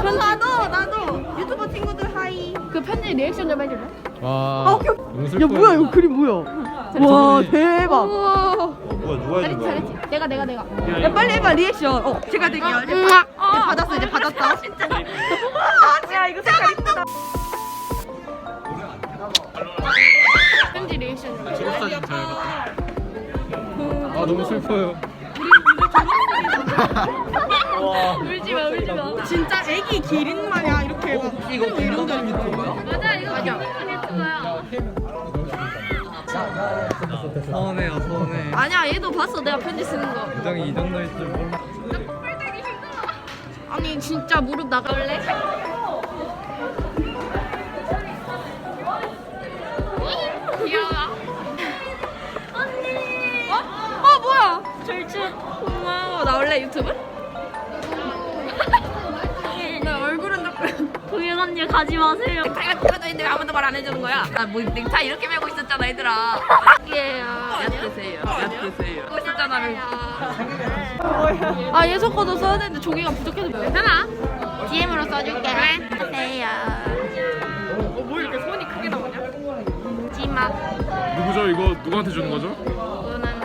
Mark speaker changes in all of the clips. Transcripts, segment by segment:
Speaker 1: 나도 유튜버 친구들 하이.
Speaker 2: 그 편지 리액션 좀 해줄래?
Speaker 3: 와.
Speaker 1: 야 뭐야 이거 그림 뭐야? 와 대박.
Speaker 4: 뭐야 누가 해준 거야?
Speaker 2: 잘했지. 내가.
Speaker 1: 야 빨리 해봐 리액션. 제가 될게요. 이제 받았어 이제 받았다. 진짜. 야 이거 색깔 이쁘다.
Speaker 2: 편지 리액션 좀.
Speaker 3: 졸업사진 잘 봤다. 아 너무 슬퍼요.
Speaker 2: 울지 마.
Speaker 1: 진짜 애기 기린 마냥 이렇게 막
Speaker 4: 이거 이런 유튜버야?
Speaker 2: 맞아 이거 유튜브야.
Speaker 3: 서운해요 서운해.
Speaker 2: 아니야 얘도 봤어 내가 편지 쓰는 거.
Speaker 3: 부정이 이 정도일 줄 몰라.
Speaker 2: 아니 진짜 무릎 나갈래? 귀여워. 언니. 어 뭐야? 절친. 고마워. 나 원래 유튜브? 나 얼굴은 조금. 동현 언니 가지 마세요. 넥타이가 끼워져 있는데 왜 아무도 말 안 해주는 거야? 나 뭐 넥타이 이렇게 메고 있었잖아 얘들아. 예요. 얕드세요. 메고 있었잖아. 아 예서 거도 써야 되는데 종이가 부족해서 괜찮아. DM으로 써줄게. 하세요. 뭐 이렇게 손이 크게 나오냐? 찌마.
Speaker 5: 누구죠? 이거 누구한테 주는 거죠?
Speaker 2: 이거는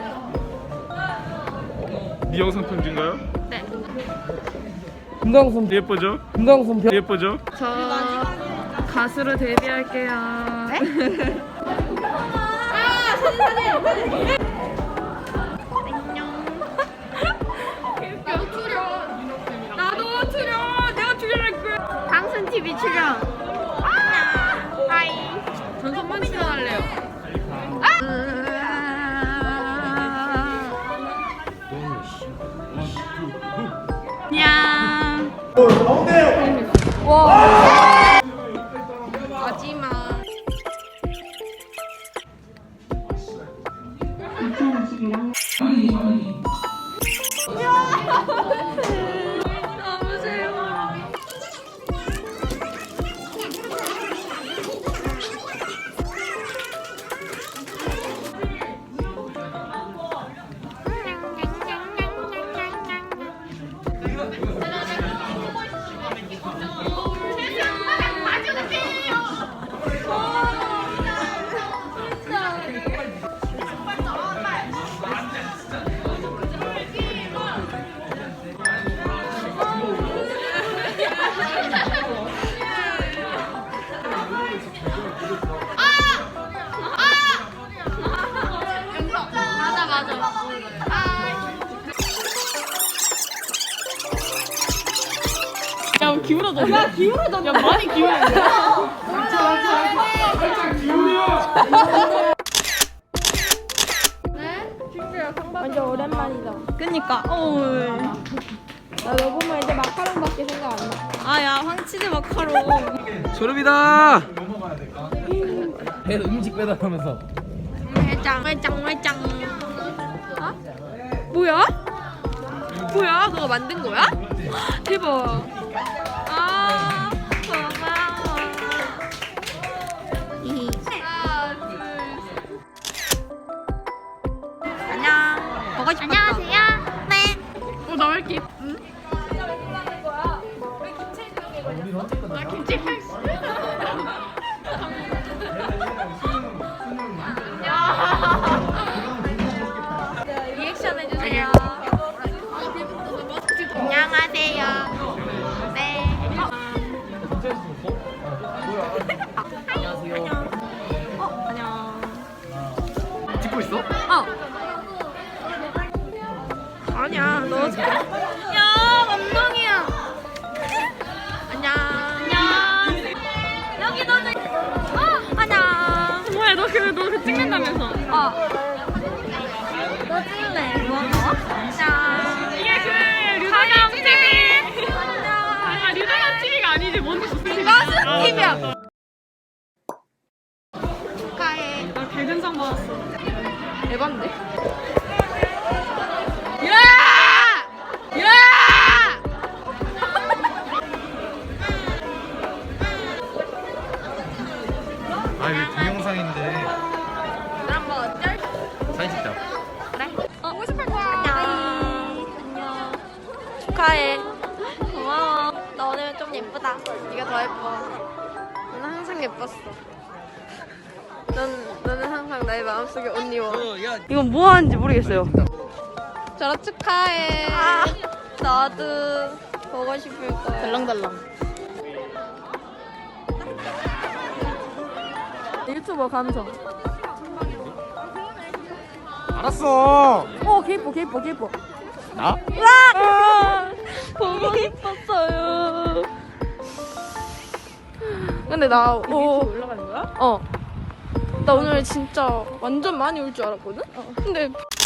Speaker 5: 네 영상 편지인가요?
Speaker 2: 네.
Speaker 3: 금강송
Speaker 5: 예쁘죠?
Speaker 3: 금강송 별.
Speaker 5: 예쁘죠?
Speaker 2: 저 가수로 데뷔할게요. 나도 출연. 내가 출연할 거야. 당순 TV 출연. 하이. 전선만 출연할래요. 냥. 와. 마지막. 너무 싫어. 야 기울어져. 야 기울어져. 야 많이 기울어. 완전 오랜만이다.
Speaker 1: 그니까.
Speaker 2: 나 너 보면 이제 마카롱밖에 생각 안 나.
Speaker 1: 아야 황치즈 마카롱.
Speaker 3: 졸업이다. 배 음식 배달하면서.
Speaker 2: 회장. 어? 뭐야? 뭐야? 너가 만든 거야? 대박. 아 고마워.
Speaker 1: 안녕. 먹고 싶었어.
Speaker 2: 안녕하세요. 네. 나 왜 이렇게 응? 나 김치 리액션 해주세요. 안녕하세요. 네.
Speaker 1: 안녕.
Speaker 3: 찍고 있어?
Speaker 1: 아니야 너.
Speaker 2: 야 감동이야.
Speaker 1: 안녕.
Speaker 2: 여기 너는
Speaker 1: 안녕.
Speaker 2: 뭐야 너 그 찍는다면서?
Speaker 1: 너 찍을래? 뭐? 안녕.
Speaker 2: 이게 그 류다감 TV. 아니야 류다감 TV가 아니지 뭔
Speaker 1: 가수 TV야.
Speaker 2: 축하해. 나 개근상 받았어. 대박인데?
Speaker 1: 야!
Speaker 3: 아 이거 동영상인데.
Speaker 1: 그럼 뭐 어쩔?
Speaker 3: 사진 찍자.
Speaker 1: 보고 싶을 거야. 안녕. 축하해. 고마워. 너 오늘 좀 예쁘다.
Speaker 2: 예쁘다.
Speaker 6: 네가 더 예뻐. 너는 항상 예뻤어. 너는 항상 나의 마음속에 온리워.
Speaker 1: 이건 뭐 하는지 모르겠어요.
Speaker 6: 졸업 축하해.
Speaker 2: 나도 보고 싶을 거야.
Speaker 6: 덜렁덜렁.
Speaker 1: 유튜버 감성.
Speaker 3: 알았어.
Speaker 1: 개이뻐.
Speaker 3: 나?
Speaker 1: 보고 싶었어요.
Speaker 6: 근데 나
Speaker 1: 올라가는 거야?
Speaker 6: 나 오늘 진짜 완전 많이 올 줄 알았거든? 근데